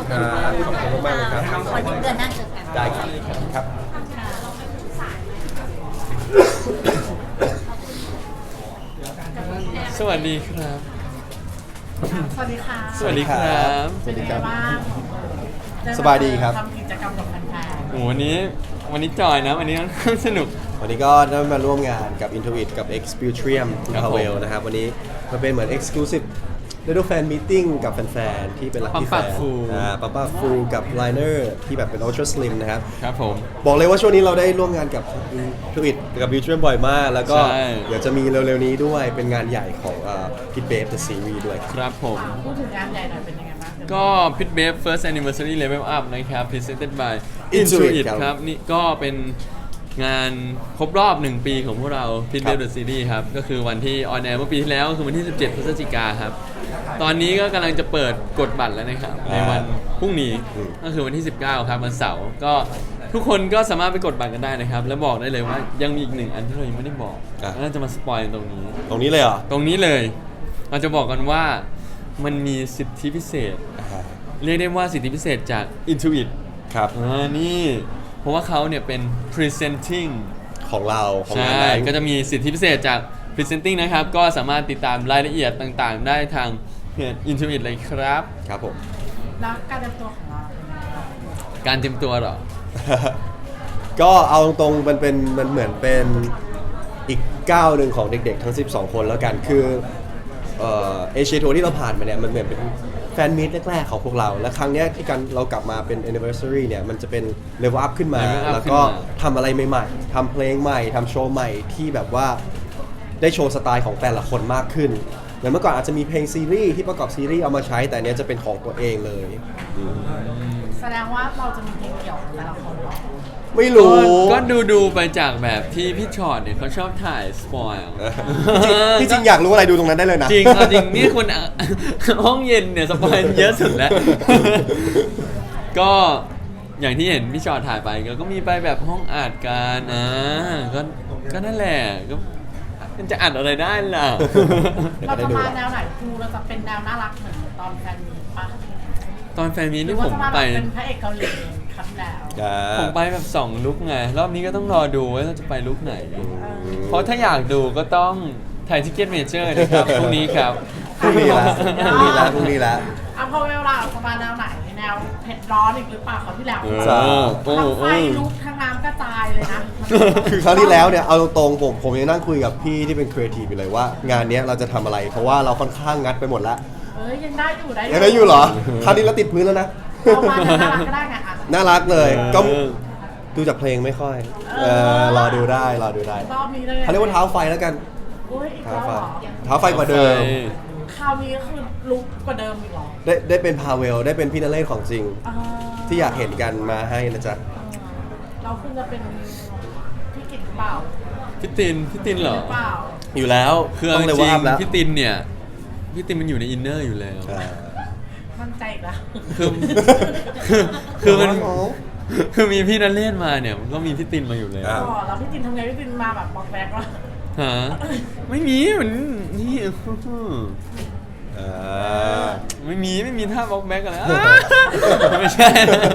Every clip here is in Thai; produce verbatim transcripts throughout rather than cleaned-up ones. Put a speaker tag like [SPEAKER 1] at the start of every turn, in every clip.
[SPEAKER 1] ครับขอบคุณมากๆเลยครับ
[SPEAKER 2] วันนี้เดือนหน้าเจอกัน
[SPEAKER 1] ได้ครับครับ
[SPEAKER 3] สวัสดีครับ
[SPEAKER 4] สวัสดีค่ะ
[SPEAKER 3] สวัสดีครับ
[SPEAKER 1] สวัสดีครับ
[SPEAKER 4] เป็นยังไงาง
[SPEAKER 1] สบายดีครับ
[SPEAKER 4] ทำกิจกรรมกับแฟน
[SPEAKER 3] โอ้วันนี้วันนี้จอยนะ วันนี้ค่อนข้างสนุก
[SPEAKER 1] วันนี้ก็ได้มาร่วมงานกับ Intuit กับ Exputrium คุณ
[SPEAKER 3] ครับ
[SPEAKER 1] พา
[SPEAKER 3] ผม
[SPEAKER 1] เวลนะครับ วันนี้มันเป็นเหมือน Exclusive Little Fan Meeting กับแฟนๆ ที่เป็น Lucky
[SPEAKER 3] ปั๊มปาก
[SPEAKER 1] Fan
[SPEAKER 3] ฟู
[SPEAKER 1] อ่าปั๊มปากฟูกับ Liner ที่แบบเป็น Ultra Slim นะครับ
[SPEAKER 3] ครับผม
[SPEAKER 1] บอกเลยว่าช่วงนี้เราได้ร่วมงานกับ Intuit กับ Exputrium บ่อยมาก แล้วก็
[SPEAKER 3] ใช่
[SPEAKER 1] เดี๋ยวจะมีเร็วๆนี้ด้วยเป็นงานใหญ่ของอ่า Kid Babe The Series ด้วยครับ
[SPEAKER 3] ครับผม
[SPEAKER 4] ๆพูดถึงงานใหญ่หน่อยเป็นยังไงบ้าง
[SPEAKER 3] ก็ Pit Babe First Anniversary Level Up นะครับ Presented by
[SPEAKER 1] Intuit
[SPEAKER 3] Intuit
[SPEAKER 1] ครับ
[SPEAKER 3] ครับ นี่ก็เป็นงานครบรอบหนึ่งปีของพวกเรา Pit
[SPEAKER 1] ครับ
[SPEAKER 3] Babe The Series ครับ ก็คือวันที่ออนแอร์เมื่อปีที่แล้วก็คือวันที่ สิบเจ็ด พฤศจิกาครับ ตอนนี้ก็กำลังจะเปิดกดบัตรแล้วนะครับ ในวันพรุ่งนี้
[SPEAKER 1] อืม
[SPEAKER 3] ก็คือวันที่ สิบเก้า ครับวันเสาร์ก็ทุกคนก็สามารถไปกดบัตรกันได้นะครับ แล้วบอกได้เลยว่ายังมีอีกหนึ่งอันที่เรายังไม่ได้บอกน่าจะมาสปอยตรงนี้
[SPEAKER 1] ตรงนี้เลยเหรอ
[SPEAKER 3] ตรงนี้เลยเราจะบอกกันว่ามันมีสิทธิพิเศษ
[SPEAKER 1] อ่า
[SPEAKER 3] เรียกได้ว่าสิทธิพิเศษจาก Intuit
[SPEAKER 1] ครับ
[SPEAKER 3] อ่านี่เพราะว่าเขาเนี่ยเป็น presenting
[SPEAKER 1] ของเราของ
[SPEAKER 3] ใช่
[SPEAKER 1] งานนั้น
[SPEAKER 3] ก็จะมีสิทธิพิเศษจาก presenting นะครับ ก็สามารถติดตามรายละเอียดต่างๆ ได้ทางเพจ Intuit เลยครับ
[SPEAKER 1] ครับผม
[SPEAKER 4] แล้วการเตรียมตัวของเราเป็นยังไงบ้าง
[SPEAKER 3] การเตรียมตัวเหรอ
[SPEAKER 1] ก็เอาตรงๆมันเป็นมันเหมือนเป็นอีกก้าวหนึ่งของเด็กๆ ทั้ง สิบสอง คนแล้วกันคือเอเชียทัวร์ที่เราผ่านมาเนี่ยมันเหมือนเป็นแฟนมีตแรกๆของพวกเรา และครั้งเนี้ยที่กันเรากลับมาเป็น anniversary เนี่ยมันจะเป็น level up ขึ้นมา
[SPEAKER 3] level up
[SPEAKER 1] แล้วก็
[SPEAKER 3] ขึ้นมา
[SPEAKER 1] ทำอะไรใหม่ๆทำเพลงใหม่ทำโชว์ใหม่ที่แบบว่าได้โชว์สไตล์ของแต่ละคนมากขึ้นเหมือนเมื่อก่อนอาจจะมีเพลงซีรีส์ที่ประกอบซีรีส์เอามาใช้แต่เนี้ยจะเป็นของตัวเองเลยอืม
[SPEAKER 4] แสดงว่าเราจะมีเพลงเกี่ยวกับแต่ละคนเหรอ
[SPEAKER 1] ไม่รู้
[SPEAKER 3] ก็ดูดูๆไปจากแบบที่พี่ชอตเนี่ยเขาชอบถ่ายสปอยล์
[SPEAKER 1] ที่จริงอยากรู้อะไรดูตรงนั้นได้เลยนะ
[SPEAKER 3] จริงเอาจริงนี่คุณอ่ะ ห้องเย็นเนี่ยสปอยล์เยอะสุดแล้ว ก็อย่างที่เห็นพี่ชอตถ่ายไปแล้วก็มีไปแบบห้องอัดกันอ่าก็ก็นั่นแหละก็มันจะอัดอะไรได้ล่ะ
[SPEAKER 4] เราจะมาแนวไหนครูเราจะเป็นแนวน่ารักเหมือนตอนแฟนมีปะ
[SPEAKER 3] ตอนแฟนมี
[SPEAKER 4] หรื
[SPEAKER 3] นี่
[SPEAKER 4] อว่า
[SPEAKER 3] ผม
[SPEAKER 4] จะมาแบ
[SPEAKER 3] ไป
[SPEAKER 4] บเป็นพระเอกเกาหลีครั้งแล้ว
[SPEAKER 1] อ่า
[SPEAKER 3] ผมไปแบบสองลุกไง รอบนี้ก็ต้องรอดูว่าเราจะไปลุกไหน
[SPEAKER 1] อืม
[SPEAKER 3] เพราะถ้าอยากดูก็ต้องถ่ายทิเก็ตเมเจอร์นะครับพรุ่งนี้ครับ
[SPEAKER 1] พรุ่งนี้ละพรุ่งนี้ละพรุ่งนี้ละ
[SPEAKER 4] อ่ะพอเวลาเราจะมาแนวไหนแนวเผ็ดร้อนอีกหรือเปล่าเขาวที่แล้ว
[SPEAKER 3] เออ
[SPEAKER 1] จ้า
[SPEAKER 3] โอ้
[SPEAKER 4] ทั้ง
[SPEAKER 3] โห
[SPEAKER 4] ไฟลุกทั้งน้ำกระจายเลยนะ
[SPEAKER 1] คือครั้งที่แล้วเนี่ยเอาตรงๆผมผมยังนั่งคุยกับพี่ที่เป็นครีเอทีฟอยู่เลยว่างานเนี้ยเราจะทำอะไร เพราะว่าเราค่อนข้างงัดไปหมดแล้ว
[SPEAKER 4] เอ้ยยังได้อยู่ได้
[SPEAKER 1] ยังได้อยู่เหรอคราวนี้เราติดพื้นแล้วนะ
[SPEAKER 4] เอามาน่ารักก็ได้ไงอ่ะ
[SPEAKER 1] น่ารักเลย
[SPEAKER 3] เออ
[SPEAKER 1] ก็ดูจากเพลงไม่ค่อยเออรอดูได้รอดูได้
[SPEAKER 4] รอบนี้เลย
[SPEAKER 1] เขาเรียกว่าเท้าไฟแล้วกัน
[SPEAKER 4] โอ้ยอีก
[SPEAKER 1] เท้า
[SPEAKER 4] แล้ว
[SPEAKER 1] ไฟ
[SPEAKER 4] เหรอ
[SPEAKER 1] เท้าไฟกว่าเดิม
[SPEAKER 4] คราวนี้ก็คือลุกกว่าเดิมอีกเหรอ
[SPEAKER 1] ได้ได้เป็นพาเวลได้เป็นพี่นเรศของจริง
[SPEAKER 4] อ่า
[SPEAKER 1] ที่อยากเห็นกันมาให้นะจ๊ะ
[SPEAKER 4] เราคุณจะเป็นพี่กิตหรือเปล่า
[SPEAKER 3] พี่ตินพี่ตินเหรอ
[SPEAKER 4] หรือเปล่า
[SPEAKER 1] อยู่แล้ว
[SPEAKER 3] คือ
[SPEAKER 1] ต้อง
[SPEAKER 3] จ
[SPEAKER 1] เลย
[SPEAKER 3] ริ
[SPEAKER 1] ว่าง อัพแล้ว
[SPEAKER 3] พี่ตินเนี่ยพี่ตินมันอยู่ในอินเนอร์อยู่แล้ว
[SPEAKER 1] อ่า
[SPEAKER 4] มั่นใจอีกแล้ว
[SPEAKER 3] คือคือคือมัน
[SPEAKER 1] โอ้โห
[SPEAKER 3] คือมีพี่นันเล่นมาเนี่ยมันก็มีพี่ตินมาอยู่แล้ว
[SPEAKER 1] อ่า
[SPEAKER 4] อ๋อแล้วพี่ตินทำไงพี่ตินมาแบบบอกแบกว่า
[SPEAKER 3] ฮะไม่มีเหมือนนี่
[SPEAKER 1] อ่า
[SPEAKER 3] ไม่มีไม่มีท่าบล็อกแบ็กอะไรอ่ะไม่ใช่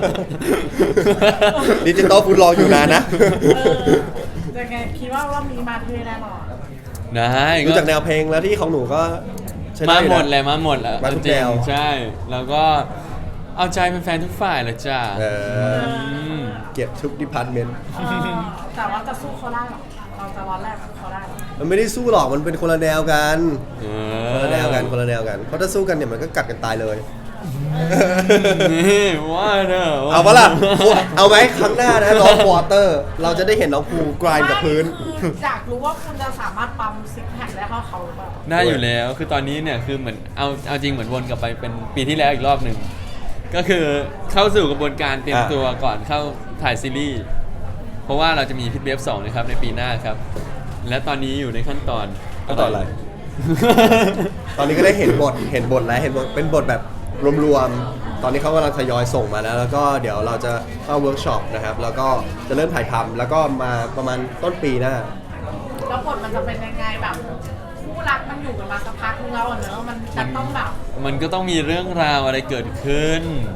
[SPEAKER 1] ดิจิตอลฟูดรออยู่นานนะ
[SPEAKER 4] เออจะไงคิดว่ารอบนี้มาเท่แน่นอน
[SPEAKER 3] ได้
[SPEAKER 1] ดูจากแนวเพลงแล้วที่ของหนูก็ใช้
[SPEAKER 3] มา
[SPEAKER 1] ไอยู่
[SPEAKER 3] หม
[SPEAKER 1] นะ
[SPEAKER 3] ดเลยมาหมดแล้ว
[SPEAKER 1] มาทุก
[SPEAKER 3] จริง
[SPEAKER 1] แนว
[SPEAKER 3] ใช่ แล้วก็เอาใจแฟนๆทุกฝ่ายเลยจ้า
[SPEAKER 1] เออ
[SPEAKER 3] ม
[SPEAKER 1] เก็บทุกดิพาร์ตเมนต์
[SPEAKER 4] เออแต่ว่าจะสู้เขาได้หรอเราจะร้อนแรกสู้เขาได้หรอ
[SPEAKER 1] มันไม่ได้สู้หรอกมันเป็นคนละแนวกัน
[SPEAKER 3] เอ
[SPEAKER 1] คนละแนวกันคนละแนวกันเพราะถ้าสู้กันเนี่ยมันก็กัดกันตายเลย
[SPEAKER 3] นี่ว่าเนอะ
[SPEAKER 1] เอาปะล่ะเอาไหมครั้งหน้านะน้องวอเตอร์เราจะได้เห็นน้องภูกรายกับพื้น
[SPEAKER 4] ไม่คืออยากรู้ว่าคุณจะสามารถปั๊มซิกแพคได้เท่าเขาหรือเปล่า
[SPEAKER 3] ได้อยู่แล้วคือตอนนี้เนี่ยคือเหมือนเอาเอาจริงเหมือนวนกลับไปเป็นปีที่แล้วอีกรอบหนึ่งก็คือเข้าสู่กระบวนการเตรียม
[SPEAKER 1] อ่ะ
[SPEAKER 3] ตัวก่อนเข้าถ่ายซีรีส์เพราะว่าเราจะมีพิทเบฟสองนะครับในปีหน้าครับ และตอนนี้อยู่ในขั้นตอน
[SPEAKER 1] ขั้นตอนอะไร ตอนนี้ก็ได้เห็นบทเห็นบทแล้วเห็นบทเป็นบทแบบรวมๆตอนนี้เขากำลังทยอยส่งมาแล้ว แล้วก็เดี๋ยวเราจะเข้าเวิร์กช็อปนะครับแล้วก็จะเริ่มถ่ายทำแล้วก็มาประมาณต้นปีหน้า
[SPEAKER 4] แล้วบทมันจะเป็นยังไงแบบคู่รักมันอยู่กันมาสักพักนึงแล้วอะเนอะมันจะต้องแบบ
[SPEAKER 3] มันก็ต้องมีเรื่องราวอะไรเกิดขึ้น
[SPEAKER 4] อืม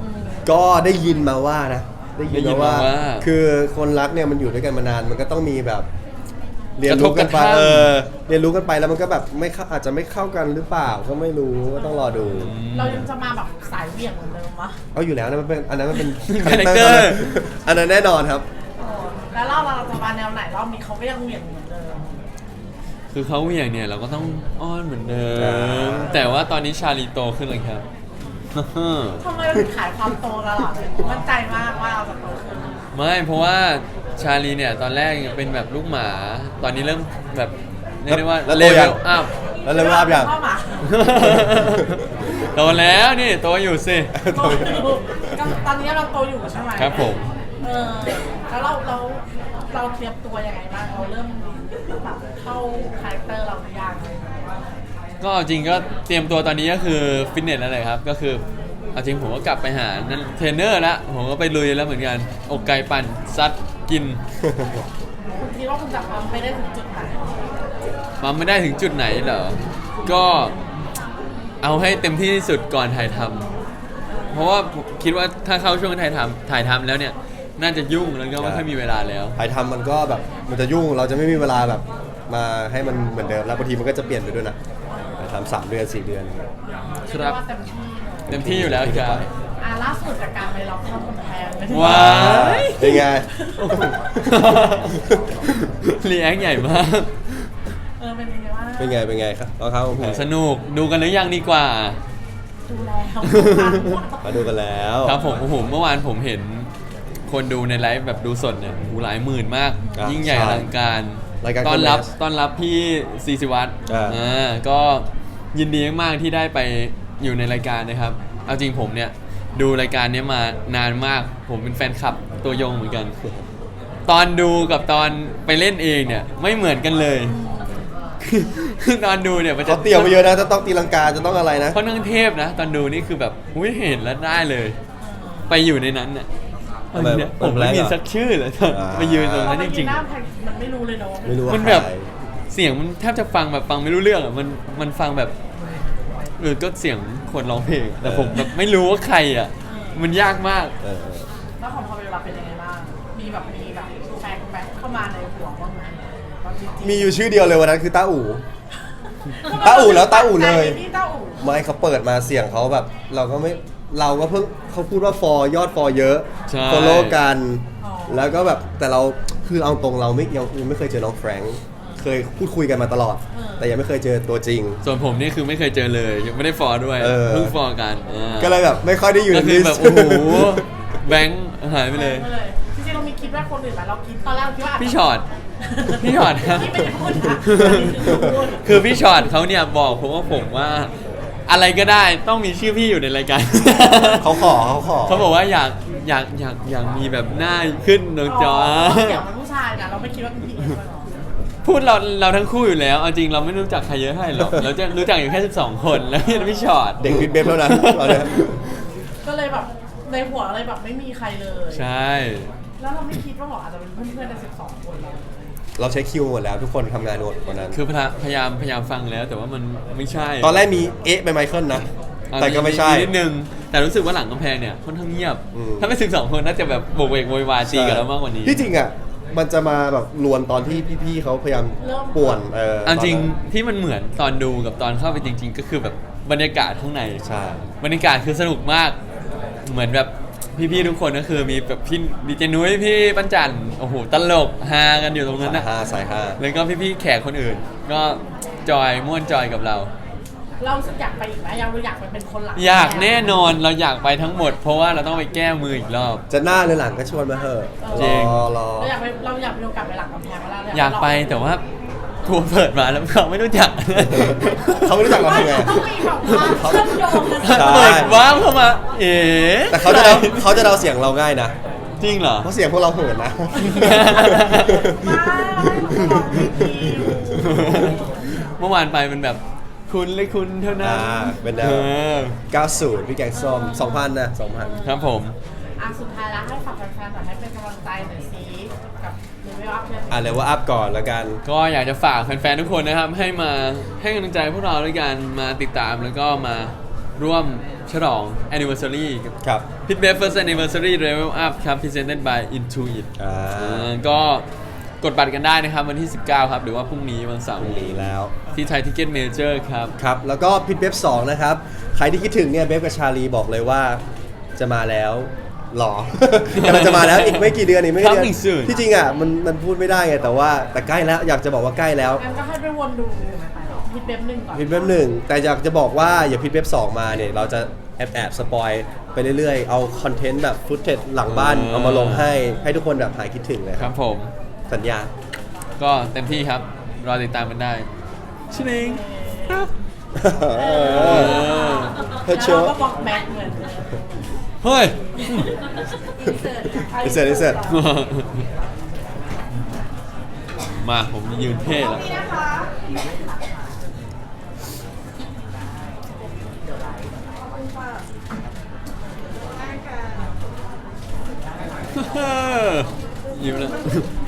[SPEAKER 1] ก็ได้ยินมาว่านะได้ยิน
[SPEAKER 3] ได้ยิน
[SPEAKER 1] มา
[SPEAKER 3] มา
[SPEAKER 1] ว่า
[SPEAKER 3] ว่า
[SPEAKER 1] คือคนรักเนี่ยมันอยู่ด้วยกันมานานมันก็ต้องมีแบบเรียน
[SPEAKER 3] กระท
[SPEAKER 1] รู้
[SPEAKER 3] บ
[SPEAKER 1] กันไป
[SPEAKER 3] กระทั่ง
[SPEAKER 1] เออเรียนรู้กันไปแล้วมันก็แบบไม่เข้าอาจจะไม่เข้ากันหรือเปล่าก็ไม่รู้ก็ต้องรอดู
[SPEAKER 4] เรายังจะมาแบบสายเหวี่ยงเหมือนเดิมวะ
[SPEAKER 1] เอาอยู่แล้วนะมันเป็นอันนั้นมันเป็น
[SPEAKER 3] Character
[SPEAKER 1] อันนั้นแน่นอนครับ
[SPEAKER 4] เออแล้วเราเราจะมาแนวไหนรอบนี้เขาก็ยังเหวี่ยงเหมือนเดิม
[SPEAKER 3] คือเขาเหวี่ยงเนี่ยเราก็ต้องอ้อนเหมือนเดิ
[SPEAKER 1] อ่
[SPEAKER 3] มา แต่ว่าตอนนี้ชาลีโตขึ้นเลยครับ
[SPEAKER 4] ทำไมเราถึงขายความโตตลอดเลยมั่นใจมากว่าเราจะโตขึ้น
[SPEAKER 3] ไม่เพราะว่าชาลีเนี่ยตอนแรกยังเป็นแบบลูกหมา ตอนนี้เริ่มแบบเรียกได้ว่า
[SPEAKER 1] แล้ว
[SPEAKER 3] เล
[SPEAKER 1] โต
[SPEAKER 3] เว
[SPEAKER 1] ยัง
[SPEAKER 3] ลอัพ
[SPEAKER 1] แล้วเลยว่าอย่าง
[SPEAKER 4] เข้ามา
[SPEAKER 3] โตแล้วนี่โตอยู่สิ
[SPEAKER 4] โตอยู่ก็ตอนนี้เราโตอยู่ใช่ไหม
[SPEAKER 3] ครับผม
[SPEAKER 4] เออแล้วเราเราเราเตรียมตัวยังไงบ้างเราเริ่มแบบเข้าคาแรคเตอร์เราหรือยัง
[SPEAKER 3] ก็จริงก็เตรียมตัวตอนนี้ก็คือฟิตเนสแล้วเลยครับ ก็คือเอาจริงผมก็กลับไปหานั่นเทรนเนอร์แล้วผมก็ไปลุยแล้วเหมือนกันอกไก่ปั่นซัดกิน
[SPEAKER 4] คุณคิดว่าคุณจะทำไปได้ถึงจุดไหน
[SPEAKER 3] มาไม่ได้ถึงจุดไหนเหรอ ก็เอาให้เต็มที่ที่สุดก่อนถ่ายทำเพราะว่าผมคิดว่าถ้าเข้าช่วงถ่ายทำถ่ายทำแล้วเนี่ยน่าจะยุ่งแล้วก็ไม่ค่อยมีเวลาแล้ว
[SPEAKER 1] ถ่ายทำมันก็แบบมันจะยุ่งเราจะไม่มีเวลาแบบมาให้มันเหมือนเดิมแล้วบางทีมันก็จะเปลี่ยนไปด้วยนะถ่ายทำสามเดือนสี่เดือน
[SPEAKER 3] ครับ
[SPEAKER 4] เยกว่าเต็มที่
[SPEAKER 3] เต็มที่อยู่แล้วครับ
[SPEAKER 4] อ่ะล่าสุดจากการไปล็อกข้อมูลแทนไปถึง
[SPEAKER 3] ว้าย
[SPEAKER 1] เป็นไง
[SPEAKER 3] รีแอคใหญ่มาก
[SPEAKER 4] เออเป็นยังไงว่าง
[SPEAKER 1] เป็นไงเป็นไงครับเราเข้า
[SPEAKER 3] โอ้โหสนุกดูกันหรือยังดีกว่า
[SPEAKER 4] ดูแล้ว
[SPEAKER 1] มาดูกันแล้ว
[SPEAKER 3] ครับผมโอ้โหเมื่อวานผมเห็นคนดูในไลฟ์แบบดูสดเนี่ยโอ้โหหลายหมื่นมาก
[SPEAKER 1] อ่ะ
[SPEAKER 3] ยิ่งใหญ่อ
[SPEAKER 1] ใช่
[SPEAKER 3] ลังการ
[SPEAKER 1] รายการ
[SPEAKER 3] ต้อนรับ
[SPEAKER 1] Gomez
[SPEAKER 3] ต้อนรับพี่ซีซิวัตร
[SPEAKER 1] อ่า
[SPEAKER 3] อ่าก็ยินดีมากๆที่ได้ไปอยู่ในรายการนะครับ เอาจริงผมเนี่ยดูรายการเนี้ยมานานมาก ผมเป็นแฟนคลับตัวยงเหมือนกัน ตอนดูกับตอนไปเล่นเองเนี่ยไม่เหมือนกันเลย คือตอนดูเนี่ยมันจะ
[SPEAKER 1] เขาเตรียมมาเยอะนะจะต้องตีลังกาจะต้องอะไรนะ
[SPEAKER 3] ค่อนข้างเทพนะ ตอนดูนี่คือแบบอุ้ยเห็นแล้วได้เลย ไปอยู่ในนั้นเนี่ย
[SPEAKER 1] ทำไม
[SPEAKER 3] เนี่ย
[SPEAKER 1] เปิ
[SPEAKER 3] ผ
[SPEAKER 1] ด
[SPEAKER 3] ม
[SPEAKER 1] แร
[SPEAKER 3] ไม่
[SPEAKER 1] ก
[SPEAKER 3] มี
[SPEAKER 1] เหรอ
[SPEAKER 3] สักชื่อเลยตอน
[SPEAKER 1] อ่า
[SPEAKER 3] ไปยืนตรงนั้นจริง
[SPEAKER 4] หน้าแพงมันไม่รู้เลยเนาะ
[SPEAKER 1] ไม่รู้ว่า
[SPEAKER 3] มันแบบ
[SPEAKER 1] ใคร
[SPEAKER 3] ๆ เสียงมันแทบจะฟังแบบฟังไม่รู้เรื่องอ่ะมันมันฟังแบบหรือก็เสียงคนร้องเพลงแต่ผมแบบไม่รู้ว่าใครอ่ะ มันยากมาก
[SPEAKER 1] เออ
[SPEAKER 4] แล้วของพอเวลาเป็นยังไงบ้างมีแบบมีแบบแฟงแบงเข้ามาในหัวบ้างไหมตอนจริงๆ
[SPEAKER 1] มีอยู่ชื่อเดียวเลยวันนั้นคือต้าอู่ ต้าอู่แล้วต้าอู่เลย
[SPEAKER 4] นี่ต้าอู่
[SPEAKER 1] ไม่เขาเปิดมาเสียงเขาแบบ เราก็ไม่เราก็เพิ่งเขาพูดว่าฟอร์ยอดฟอร์เยอะ
[SPEAKER 3] ใช่
[SPEAKER 1] ฟอลโล่กัน แล้วก็แบบแต่เราคือเอาตรงเราไม่ยังยังไม่เคยเจอน้องแฟรงค์เคยพูดคุยกันมาตลอด แต่ยังไม่เคยเจอตัวจริง
[SPEAKER 3] ส่วนผมนี่คือไม่เคยเจอเลยยังไม่ได้ฟอร์ด้วย
[SPEAKER 1] เออ
[SPEAKER 3] เพิ่งฟอร์กันอ่า
[SPEAKER 1] ก็เลยแบบไม่ค่อยได้อยู่ใน
[SPEAKER 3] ก็คื
[SPEAKER 1] ลิ
[SPEAKER 3] อ
[SPEAKER 1] ส
[SPEAKER 3] แบบ
[SPEAKER 1] ต์
[SPEAKER 3] โอ้โหแบงค์หายไปเลย
[SPEAKER 4] ไม่เลยจริงๆเรามีคิดว่าคนอื่นไหมเราคิดตอนแรกเราคิดว่าาจจะ
[SPEAKER 3] พี่ช็อต พี่ช็อตครับ
[SPEAKER 4] ที่ไม่ได้พูดนะอันนี้คือพูด
[SPEAKER 3] คือพี่ช็อตเขาเนี่ยบอกผมว่าผมว่า อะไรก็ได้ต้องมีชื่อพี่อยู่ในรายการ
[SPEAKER 1] เขาขอเขาขอ
[SPEAKER 3] เขาบอกว่าอยากอยากอยากอยากมีแบบหน้าขึ้นตรงจอ
[SPEAKER 4] เสียงมันผู้ชายนะเราไม่คิดว่าเป็นผู้หญิงด้วยเหรอ
[SPEAKER 3] พูดเราเราทั้งคู่อยู่แล้วเอาจริงเราไม่รู้จักใครเยอะเท่าไหร่หรอก เราจะรู้จักอยู่แค่สิบสองคนแล้วพี่ช็อต
[SPEAKER 1] เด็กวิดเบฟแล้วนะตอนเนี้ย
[SPEAKER 4] ก็เลยแบบในหัวเลยแบบไม่มีใครเลย
[SPEAKER 3] ใช่
[SPEAKER 4] แล้วเราไม่คิดว่าบอกอาจจะเป็นเพื่อนๆในสิบสองคนเรา
[SPEAKER 1] เราใช้คิวหมดแล้วทุกคนทำงานหมดวันนั้น
[SPEAKER 3] คือพยายามพยายามฟังแล้ว แต่ว่ามันไม่ใช่
[SPEAKER 1] ตอนแรกมีเอ๊ะไปไมเคิลนะ
[SPEAKER 3] อ่ะ
[SPEAKER 1] แต่ก็ไม่ใช่
[SPEAKER 3] นิดนึงแต่รู้สึกว่าหลังกำแพงเนี่ยค่อนข้างเงียบ
[SPEAKER 1] อืม
[SPEAKER 3] ถ้าเป็นสิบสองคนน่าจะแบบโบกเวกโวยวายตีกันแล้วมากกว่านี้
[SPEAKER 1] ที่จริงอ่ะมันจะมาแบบลวนตอนที่พี่ๆเขาพยายามป่วนเออ
[SPEAKER 3] เอาจริง
[SPEAKER 1] ตอนนั้น
[SPEAKER 3] ที่มันเหมือนตอนดูกับตอนเข้าไปจริง ๆ ก็คือแบบบรรยากาศข้างใน
[SPEAKER 1] ใช่
[SPEAKER 3] บรรยากาศคือสนุกมาก เหมือนแบบพี่ๆทุกคนก็คือมีแบบพี่ดีเจนุ้ยพี่ปัญจันโอ้โหตลกฮากันอยู่ตรงนั้น
[SPEAKER 1] สาย
[SPEAKER 3] นะ
[SPEAKER 1] ห้าสายห้า
[SPEAKER 3] แล้วก็พี่ๆแขกคนอื่น ก็จอยม่วนจอยกับเรา
[SPEAKER 4] เรารู้สึกอยากไปอีกไหมยังเราอยากไปเป็นคนหลัง
[SPEAKER 3] อยากแน่นอนเราอยากไปทั้งหมด เพราะว่าเราต้องไปแก้มืออีกรอบ
[SPEAKER 1] จะหน้าหรือหลังก็ชวนมาเถอะ
[SPEAKER 3] จริง
[SPEAKER 1] รอรอ
[SPEAKER 4] เราอยากไปเราอยากไปโอกาสไปหลังกำแพงเวลา
[SPEAKER 3] อยากไปแต่ว่าทัวร์เปิดมาแล้วเขาไม่รู้จัก
[SPEAKER 1] เขาไม่รู้จักเรา
[SPEAKER 4] ไม่
[SPEAKER 1] ทำไง
[SPEAKER 4] ต้องมีแบบว่าเชื่อมโยงกัน
[SPEAKER 1] ใช่
[SPEAKER 3] เปิดว้าวเข้ามา เอ๋
[SPEAKER 1] แต่เขาจะเดาเขาจะเดาเสียงเราง่ายนะ
[SPEAKER 3] จริงเหรอ
[SPEAKER 1] เพราะเสียงพวกเราเหินนะ
[SPEAKER 3] เมื่อวานไปเป็นแบบคุณเลยคุณเท่านั้น
[SPEAKER 1] อ่าเป็นแนว
[SPEAKER 3] ออ
[SPEAKER 1] เก้าสิบพี่แกงส้มสองพันนะสองพัน
[SPEAKER 3] ครับผม
[SPEAKER 4] อ่ะสุดท้ายแล้วให้ฝากแฟนๆหน่อยให้เป็นกำลังใจหน่อยสิกับเลเวลอัพเนี่ย
[SPEAKER 1] อ่ะเลยว่าอัพก่อนแล้วกัน
[SPEAKER 3] ก็อยากจะฝากแฟนๆทุกคนนะครับ ให้มาให้กำลังใจพวกเราด้วยกันมาติดตามแล้วก็มาร่วมฉลอง anniversary กับ
[SPEAKER 1] ครับ
[SPEAKER 3] Pit Web First Anniversary Level Up ครับ Presented by Intuit
[SPEAKER 1] อ่า
[SPEAKER 3] อ่าก็กดบัตรกันได้นะครับวันที่ สิบเก้า ครับ หรือว่าพรุ่งนี้วันเสาร์
[SPEAKER 1] พรุ่งนี้แล้ว
[SPEAKER 3] ที่ไทยทิเก็ตเมเจอร์ครับ
[SPEAKER 1] ครับ แล้วก็พิทเบฟสองนะครับ ใครที่คิดถึงเนี่ยเบฟกับชาลีบอกเลยว่าจะมาแล้วหรอ กำลังจะมาแล้วอีกไม่กี่เดือนอีกไม่กี่เดือน
[SPEAKER 3] Coming soon
[SPEAKER 1] ที่จริงอ่ะมันมันพูดไม่ได้ไงแต่ว่าแต่ใกล้แล้วอยากจะบอกว่าใกล้แล้ว
[SPEAKER 4] งั้นก็ให้ไปวนดูพิทเว็บหนึ่งก่อน
[SPEAKER 1] พิทเว็บหนึ่งแต่อยากจะบอกว่าอย่าพิทเว็บสองมาเนี่ยเราจะแอบแอบสปอยไปเรื่อยๆ เอาคอนเทนต์แบบฟุตเทจหลังบ้าน
[SPEAKER 3] อ่า
[SPEAKER 1] เอามาลงให้ให้ทุกคนแบบหายคิดถึงเลย
[SPEAKER 3] ครับผม
[SPEAKER 1] สัญญา
[SPEAKER 3] ก็เต็มที่ครับ รอติดตามกันได้ชิลิงครับ
[SPEAKER 1] เออเธอเช
[SPEAKER 4] แล้ว
[SPEAKER 1] อ
[SPEAKER 4] เราก็บอกแบ็คเหมือนเดิม
[SPEAKER 3] เฮ้ย
[SPEAKER 1] อิเสร็จอิเสร็จ
[SPEAKER 3] มาผมยืนเท่แล้ว ยิ้มแล้ว